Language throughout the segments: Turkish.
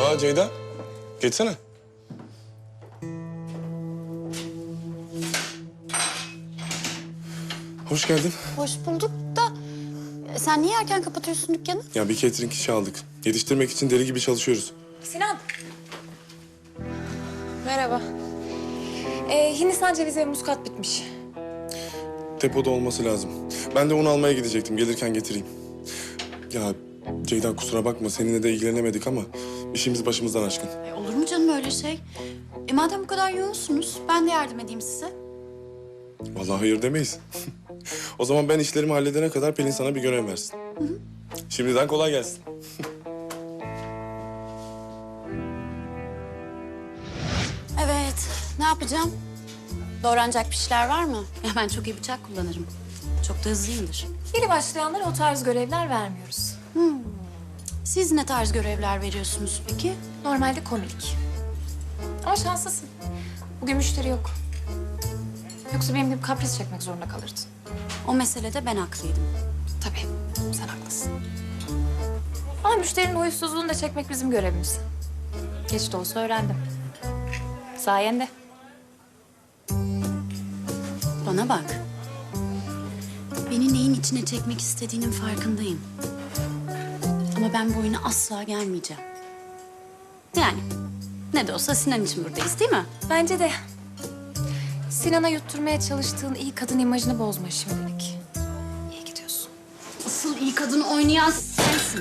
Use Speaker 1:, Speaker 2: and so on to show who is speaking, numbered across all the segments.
Speaker 1: Aa Ceyda, geçsene. Hoş geldin.
Speaker 2: Hoş bulduk da sen niye erken kapatıyorsun dükkanı?
Speaker 1: Ya bir catering işi aldık. Yetiştirmek için deli gibi çalışıyoruz.
Speaker 3: Sinan. Merhaba. Hindistan cevizi ve muskat bitmiş.
Speaker 1: Depoda olması lazım. Ben de onu almaya gidecektim. Gelirken getireyim. Ya Ceyda kusura bakma seninle de ilgilenemedik ama işimiz başımızdan aşkın.
Speaker 2: Olur mu canım öyle şey? Madem bu kadar yoğunsunuz ben de yardım edeyim size.
Speaker 1: Vallahi hayır demeyiz. O zaman ben işlerimi halledene kadar Pelin sana bir görev versin. Şimdiden kolay gelsin.
Speaker 2: Evet, ne yapacağım? Doğranacak bir şeyler var mı? Ya ben çok iyi bıçak kullanırım. Çok da hızlıyımdır.
Speaker 3: Yeni başlayanlara o tarz görevler vermiyoruz.
Speaker 2: Siz ne tarz görevler veriyorsunuz peki?
Speaker 3: Normalde komik. Ama şanslısın. Bugün müşteri yok. Yoksa benim gibi kapris çekmek zorunda kalırdın.
Speaker 2: O meselede ben haklıydım.
Speaker 3: Tabii, sen haklısın. Ama müşterinin huysuzluğunu da çekmek bizim görevimiz. Geç de olsa öğrendim. Sayende.
Speaker 2: Bana bak. Beni neyin içine çekmek istediğinin farkındayım. Ama ben bu oyuna asla gelmeyeceğim. Yani ne de olsa Sinan için buradayız değil mi?
Speaker 3: Bence de Sinan'a yutturmaya çalıştığın iyi kadın imajını bozma şimdilik. İyi gidiyorsun.
Speaker 2: Asıl iyi kadını oynayan sensin.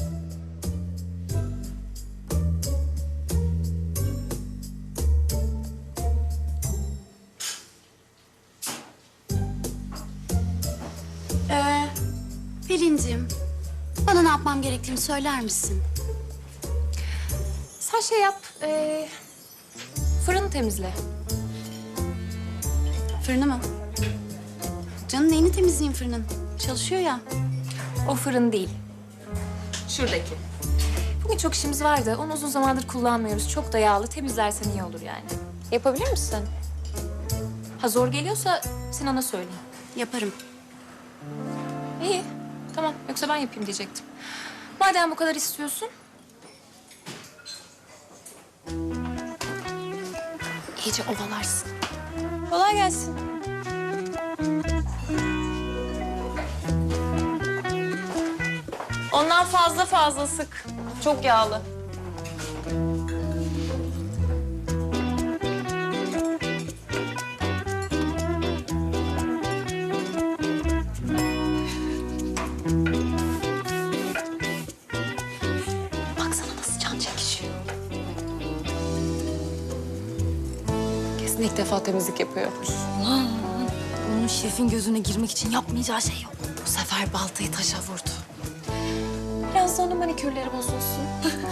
Speaker 2: Pelin'cim, bana ne yapmam gerektiğini söyler misin?
Speaker 3: Sen şey yap, fırını temizle.
Speaker 2: Fırını mı? Canım neyini temizleyeyim fırının? Çalışıyor ya.
Speaker 3: O fırın değil. Şuradaki. Bugün çok işimiz vardı. Onu uzun zamandır kullanmıyoruz. Çok da yağlı. Temizlersen iyi olur yani. Yapabilir misin? Ha zor geliyorsa Sinan'a söyleyeyim.
Speaker 2: Yaparım.
Speaker 3: İyi. Tamam. Yoksa ben yapayım diyecektim. Madem bu kadar istiyorsun. İyice ovalarsın. Kolay gelsin.
Speaker 4: Ondan fazla sık. Çok yağlı.
Speaker 3: Baksana nasıl can çekişiyor. Kesin ilk defa temizlik yapıyor.
Speaker 4: Onun şefin gözüne girmek için yapmayacağı şey yok. Bu sefer baltayı taşa vurdu.
Speaker 3: Biraz da onun manikürleri bozulsun.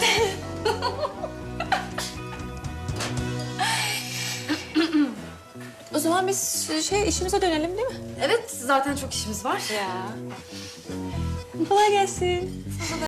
Speaker 3: O zaman biz işimize dönelim değil mi?
Speaker 4: Evet, zaten çok işimiz var.
Speaker 3: Ya. Kolay gelsin.